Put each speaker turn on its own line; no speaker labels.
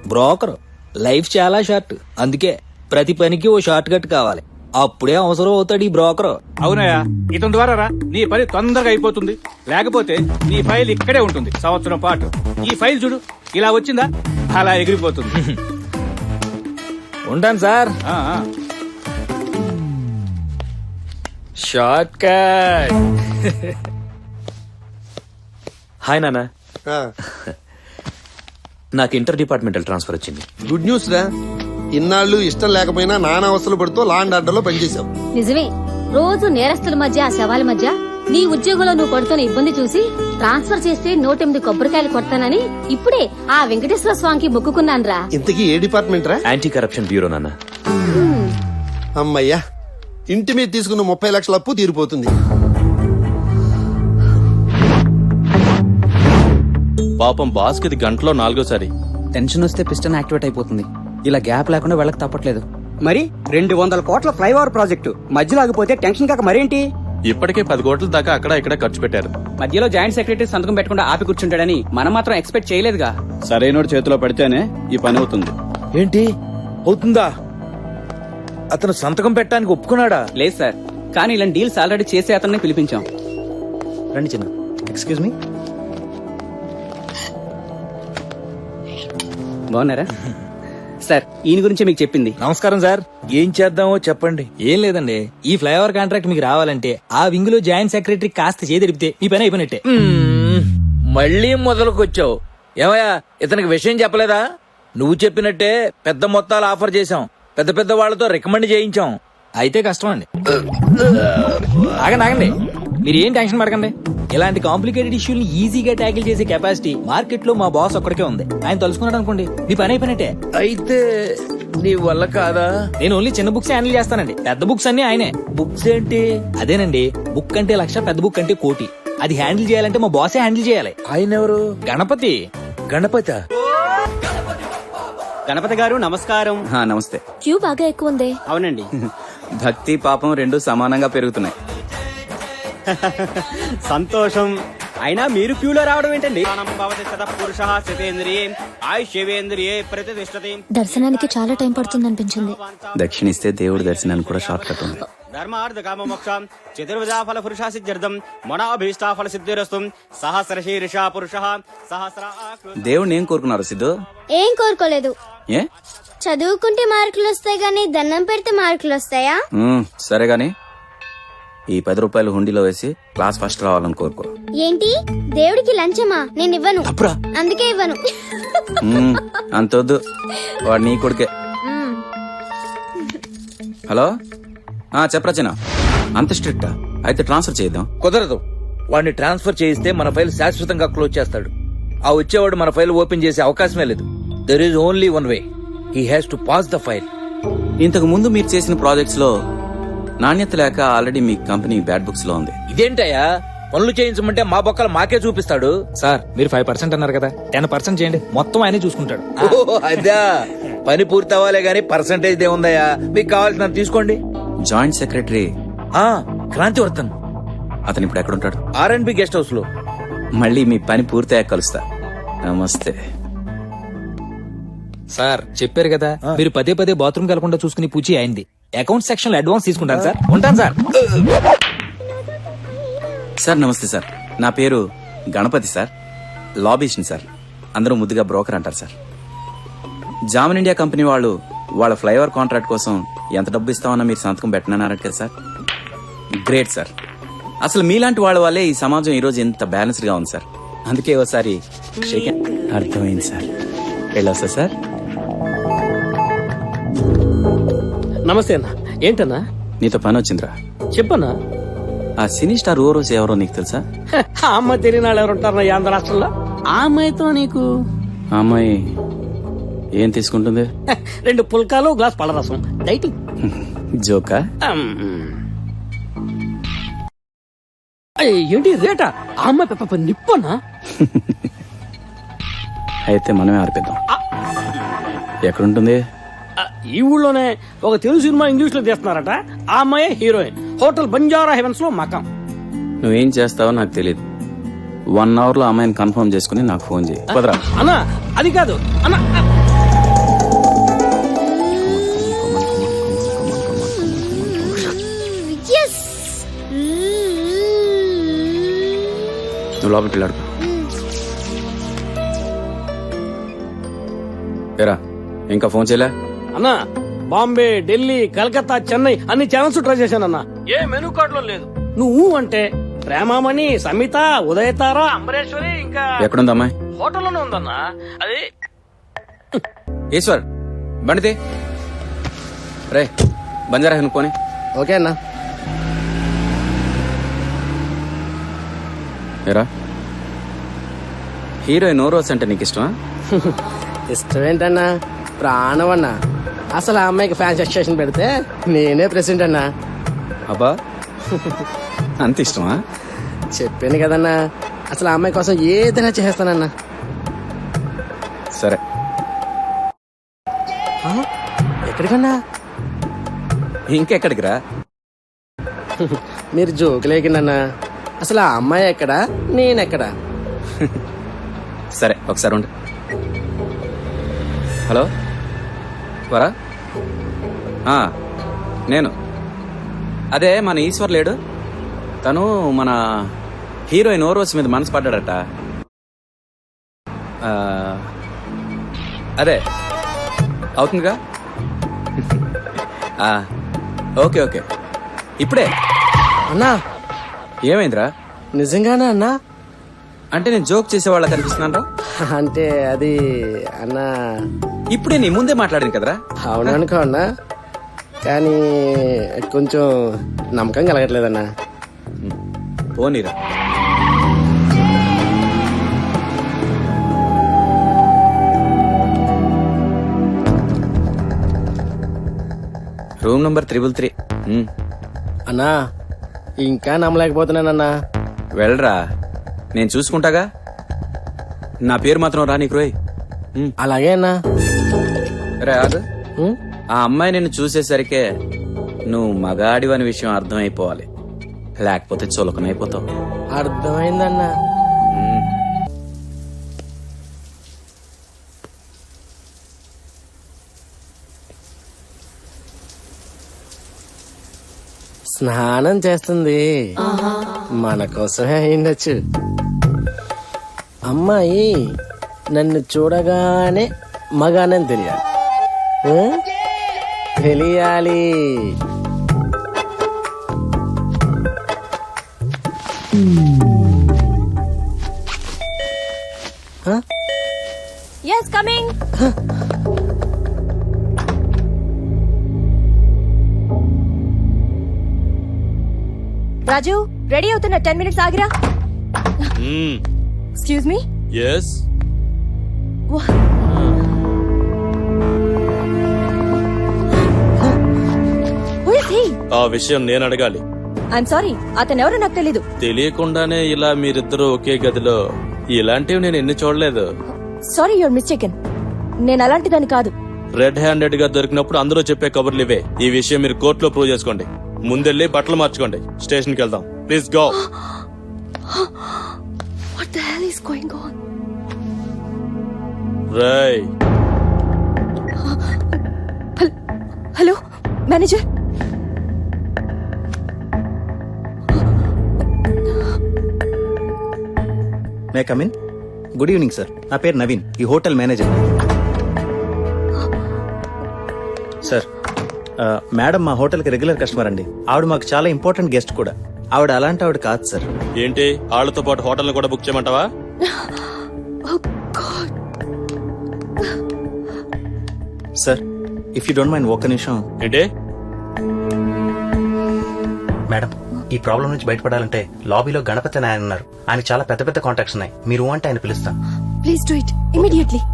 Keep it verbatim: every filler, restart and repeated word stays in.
Broker life చాలా short, అందుకే ప్రతి పనికి ఓ షార్ట్ కట్ కావాలి. అప్పుడే అవసరం అవుతాడు ఈ బ్రోకర్.
అవునయ్యా, ఇతని ద్వారా రా నీ పని తొందరగా అయిపోతుంది. లేకపోతే నీ ఫైల్ ఇక్కడే ఉంటుంది సంవత్సరం పాటు. ఈ ఫైల్ చూడు, ఇలా వచ్చిందా అలా ఎగిరిపోతుంది.
ఉంటాను సార్.
ఆ, ఆ.
Short cut.
హాయ్ నాన్న, నాకు ఇంటర్ డిపార్ట్మెంటల్ ట్రాన్స్ఫర్ వచ్చింది.
గుడ్ న్యూస్ రా. ఇన్నాళ్ళు ఇష్టం లేకపోయినా నానా అవస్థలు పడుతూ లాండ్ ఆర్డర్ లో పనిచేశావు.
నిజమే, రోజు నేరస్తుల మధ్య ఆ శవాల మధ్య నీ ఉద్యోగంలో నువ్వు పడుతున్న ఇబ్బంది చూసి ట్రాన్స్ఫర్ చేస్తే నూటెనిమిది కొబ్బరికాయలు కొడతానని ఇప్పుడే ఆ వెంకటేశ్వర స్వామికి మొక్కుకున్నాను రా.
ఇంతకీ ఏ డిపార్ట్మెంట్ రా?
యాంటీ కరప్షన్ బ్యూరో నాన్న.
అమ్మయ్యా, ఇంటి మీద తీసుకున్న ముప్పై లక్షల అప్పు తీరిపోతుంది.
పాపం బాస్ కి గంటలో నాలుగోసారి
టెన్షన్ వస్తే పిస్టన్ యాక్టివేట్ అయిపోతుంది. ఇలా గ్యాప్ లేకుండా వెళ్ళక తప్పట్లేదు.
మరి రెండు వందల కోట్ల ఫ్లైఓవర్ ప్రాజెక్టు మధ్యలో ఆగిపోతే టెన్షన్ కాక మరేంటి?
ఇప్పటికే పది కోట్ల దాకా అక్కడ ఇక్కడ ఖర్చు పెట్టారు.
మధ్యలో జాయింట్ సెక్రటరీ సంతకం పెట్టకుండా ఆపి కూర్చుంటాడని మనం మాత్రం ఎక్స్పెక్ట్ చేయలేదుగా.
సరైనోడు చేతిలో పడితేనే ఈ పని అవుతుంది.
ఏంటి అవుతుందా? అతను సంతకం పెట్టడానికి ఒప్పుకున్నాడా?
లేదు సార్, కానీ ఇలాంటి డీల్స్ ఆల్రెడీ చేసే అతన్ని పిలిపించాం.
రండి చిన్న. Excuse me.
బాగున్నారా సార్? ఈయన గురించి మీకు చెప్పింది.
నమస్కారం సార్. ఏం చేద్దామో చెప్పండి. ఏం లేదండి, ఈ ఫ్లైఓవర్ కాంట్రాక్ట్ మీకు రావాలంటే ఆ వింగ్ లో జాయింట్ సెక్రటరీ కాస్త చేదెడిపితే మీ పని అయిపోయినట్టే. మళ్ళీ మొదలుకొచ్చావు. ఏమయ్యా, ఇతనికి విషయం చెప్పలేదా? నువ్వు చెప్పినట్టే పెద్ద మొత్తాలు ఆఫర్ చేశాం, పెద్ద పెద్ద వాళ్లతో రికమెండ్ చేయించాం. అయితే కష్టం అండి. ఆగండి ఆగండి, మీరు ఏం టెన్షన్ పడకండి. ఇలాంటి కాంప్లికేటెడ్ ఇష్యూని ఈజీగా ట్యాకిల్ చేసే కెపాసిటీ మార్కెట్ లో మా బాస్ ఒక్కడికే ఉంది. ఆయన తలుసుకున్నాడు అనుకోండి, మీ పని అయిపోయినట్టే. అయితే నీ వల్ల కాదా? నేను ఓన్లీ చిన్న బుక్స్ హ్యాండిల్ చేస్తానండి, పెద్ద బుక్స్ అన్ని ఆయనే. బుక్స్ ఏంటి? అదేనండి, బుక్ అంటే లక్ష, పెద్ద బుక్ అంటే కోటి. అది హ్యాండిల్ చేయాలంటే మా బాసే హ్యాండిల్ చేయాలి. ఆయన ఎవరు? గణపతి. గణపతి
గణపతి గారు నమస్కారం.
నమస్తే.
క్యూ బాగా ఎక్కువ ఉంది.
అవునండి.
భక్తి పాపం రెండు సమానంగా పెరుగుతున్నాయి.
సంతోషం. అయినా మీరు క్యూలో రావడం ఏంటండి?
దర్శనానికి చాలా టైం పడుతుంది అనిపించింది.
దక్షిణిస్తే దేవుడి దర్శనానికి కూడా షార్ట్ కట్ ఉంది.
ధర్మార్థ కామ మోక్షం చతుర్విధా ఫల పురుషా సిద్ధ్యర్థం మనోభీష్టా ఫల సిద్ధిరస్తు సహస్ర శీర్ష పురుష సహస్ర.
దేవుడిని ఏం కోరుకున్నారు సిద్ధు?
ఏం కోరుకోలేదు.
ఏ
చదువుకుంటే మార్కులు వస్తాయి గానీ దండం పెడితే మార్కులు వస్తాయా?
ఉమ్, సరే గాని ఈ పది రూపాయలు హుండీలో వేసి క్లాస్ ఫస్ట్ రావాలని కోరుకో.
ఏంటి, దేవుడికి లంచమా? నేను ఇవ్వను, అందుకే ఇవ్వను.
ఉమ్, అంతొద్దు, వాడు నీ కొడుకే. హలో, ఆ చెప్పరచన. అంత స్ట్రిక్టా? అయితే ట్రాన్స్ఫర్ చేద్దాం.
కుదరదు. వాడిని ట్రాన్స్ఫర్ చేయిస్తే మన ఫైల్ శాశ్వతంగా క్లోజ్ చేస్తాడు. ఆ వచ్చేవాడు మన ఫైల్ ఓపెన్ చేసే అవకాశమే లేదు. There is only one way. He has to pass the file.
ఇంతకు ముందు మీరు చేసిన ప్రాజెక్ట్స్ లో నాణ్యత లేక ఆల్రెడీ మీ కంపెనీ బ్యాడ్ బుక్స్ లో ఉంది.
ఇదేంటయ్యా, పనులు చేయించమంటే మా బొక్కలు మాకే చూపిస్తాడు. సార్, మీరు ఫైవ్ పర్సెంట్ అన్నారు కదా, టెన్ పర్సెంట్ చేయండి, మొత్తం ఆయనే చూసుకుంటాడు. అదా, పని పూర్తి అవ్వాలే గానీ పర్సెంటేజ్ ఏముందయ్యా? మీకు కావాల్సిన తీసుకోండి.
జాయింట్ సెక్రటరీ
క్రాంతివర్ధన్,
అతను ఇప్పుడు ఎక్కడుంటాడు?
R and B guest house లో.
మళ్ళీ మీ పని పూర్తయ్యాక కలుస్తా. నమస్తే
సార్. చెప్పారు కదా, మీరు పదే పదే బాత్రూమ్ కలకుండా చూసుకుని పూచి అయింది. అకౌంట్ సెక్షన్ లో అడ్వాన్స్ తీసుకుంటాను సార్. ఉంటాను సార్.
సార్ నమస్తే సార్, నా పేరు గణపతి సార్, లాబీస్ని సార్. అందరూ ముద్దుగా బ్రోకర్ అంటారు సార్. జామన్ ఇండియా కంపెనీ వాళ్ళు వాళ్ళ ఫ్లైఓవర్ కాంట్రాక్ట్ కోసం ఎంత డబ్బు ఇస్తామన్నా మీరు సంతకం పెట్టనన్నారట కదా సార్. Great sir. అసలు మీలాంటి వాళ్ళ వల్లే ఈ సమాజం ఈ రోజు ఎంత బ్యాలెన్స్డ్ గా ఉంది సార్. అందుకే ఒకసారి షేక్ హ్యాండ్. అర్థమైంది సార్. వెళ్ళొస్తా సార్.
నమస్తే అన్న. ఏంటన్నా?
నీతో పని వచ్చిందిరా.
చెప్పన్నా.
ఆ సినీ స్టార్ ఓ రోజు ఎవరో నీకు తెలుసా?
ఆ అమ్మాయి తెలియని వాళ్ళు ఎవరుంటారన్నా ఈ ఆంధ్ర రాష్ట్రంలో?
ఆ అమ్మాయితో నీకు? ఆ అమ్మాయి ఏం తీసుకుంటుంది?
రెండు పుల్కాలు, గ్లాస్ పళ్ళరసం. డైటింగ్.
జోకా?
ఏంటి రేటా? ఆ అమ్మాయి పాప నిప్పనా?
అయితే మనమే ఆర్పిద్దాం. ఎక్కడుంటుంది?
ఈ ఊళ్ళోనే ఒక తెలుగు సినిమా ఇంగ్లీష్ లో తీస్తున్నారట. ఆ అమ్మాయి హీరోయిన్. హోటల్ బంజారా హెవెన్స్ లో మకాం.
నువ్వేం చేస్తావో నాకు తెలియదు. వన్ అవర్ లో అమ్మాయిని కన్ఫర్మ్ చేసుకుని నాకు ఫోన్ చేయి.
అన్నా అది కాదు అన్నా.
నువ్వు లోపలికి వెళ్ళాడు ఏరా ఇంకా ఫోన్ చేయలే
అన్నా బాంబే ఢిల్లీ కలకత్తా చెన్నై అన్ని ఛానల్స్ ట్రై చేశాను అన్న ఏ మెనూ కార్డ్ లో లేదు. నువ్వు అంటే ప్రేమామణి, సమిత, ఉదయతార, అంబరేశ్వరి ఇంకా
ఎక్కడుంది అమ్మాయి?
హోటల్లోనే ఉందన్నా. అది
ఈశ్వర్ బండితే రే బంజారా హిల్ పోనీ.
ఓకే అన్నా.
ఏరా హీరోయిన్ ఓరోస్ అంటే నీకు ఇష్టమా?
ఇష్టమేంటన్నా, ప్రాణం అన్నా. అసలు ఆ అమ్మాయికి ఫ్యాన్స్ అసోసియేషన్ పెడితే నేనే ప్రెసిడెంట్ అన్నా.
అబ్బా అంత ఇష్టమా?
చెప్పాను కదన్నా, అసలు ఆ అమ్మాయి కోసం ఏదైనా చేస్తానన్నా.
సరే
ఎక్కడికన్నా?
ఇంకెక్కడికి రా?
మీరు జోకులేకిందన్నా. అసలు ఆ అమ్మాయి ఎక్కడా, నేనెక్కడా?
సరే ఒకసారి ఉండు. హలో వరా ఆ, నేను అదే మన ఈశ్వర్ లేడు, తను మన హీరోయిన్ ఓరోస్ మీద మనసు పడ్డాడట. ఆ, అదే అవుతుందిగా. ఆ, ఓకే ఓకే ఇప్పుడే.
అన్నా
ఏమైందిరా?
నిజంగానా అన్నా?
అంటే నేను జోక్ చేసేవాళ్ళ కనిపిస్తున్నాను.
అంటే అది అన్నా,
ఇప్పుడే నీ ముందే మాట్లాడింది కదరా.
అవుననుకో అన్నా, కానీ కొంచెం నమ్మకం కలగట్లేదన్నా.
పోనీరా. Room number triple three.
అన్నా ఇంకా నమ్మలేకపోతున్నానన్నా.
వెళ్ళరా, నేను చూసుకుంటాగా. నా పేరు మాత్రం రా నీకు రోయ్.
అలాగే అన్నా.
రే ఆగు.
ఉమ్,
ఆ అమ్మాయి నిన్ను చూసేసరికే నువ్వు మగాడివని విషయం అర్థమైపోవాలి, లేకపోతే చులకనైపోతావు.
అర్థమైందన్నా. స్నానం చేస్తుంది, మన కోసమే అయిండొచ్చు. అమ్మాయి నన్ను చూడగానే మగానని తెలియాలి. ఆ? తెలియాలి.
yes coming. రాజు రెడీ అవుతున్న టెన్ మినిట్స్ ఆగిరా. Excuse me.
ఎస్ ఆ విషయం నేను అడగాలి.
ఐఎమ్ సారీ, అతను ఎవరో నాకు తెలీదు.
తెలియకుండానే ఇలా మీరిద్దరూ ఒకే గదిలో, ఇలాంటివి నేను ఎన్ని చూడలేదు.
Sorry, your mistaken. నేను అలాంటిదని కాదు.
రెడ్ హ్యాండెడ్ గా దొరికినప్పుడు అందరూ చెప్పే కబుర్లు ఇవే. ఈ విషయం మీరు కోర్టులో ప్రూవ్ చేసుకోండి. ముందెళ్ళి బట్టలు మార్చుకోండి, స్టేషన్కి వెళ్దాం. Please go.
What the hell is going on?
రై
hello manager.
May come in? Good evening sir, నా పేరు నవీన్, ఈ హోటల్ మేనేజర్. సార్, ఆ, మేడం మా హోటల్కి రెగ్యులర్ కస్టమర్ అండి. ఆవిడ మాకు చాలా ఇంపార్టెంట్ గెస్ట్ కూడా. ఆవిడ అలాంటి ఆవిడ కాదు సార్.
ఏంటి, వాళ్ళతో పాటు హోటల్ కూడా బుక్ చేయమంటావా?
Sir, if you don't mind ఒక్క నిమిషం.
ఏంటి?
మేడం, ఈ ప్రాబ్లం నుంచి బయటపడాలంటే లాబీలో గణపతి అని ఆయన ఉన్నారు. ఆయన చాలా పెద్ద పెద్ద కాంటాక్ట్స్ ఉన్నాయి. మీరు అంటే ఆయన పిలుస్తాం.
Please do it immediately.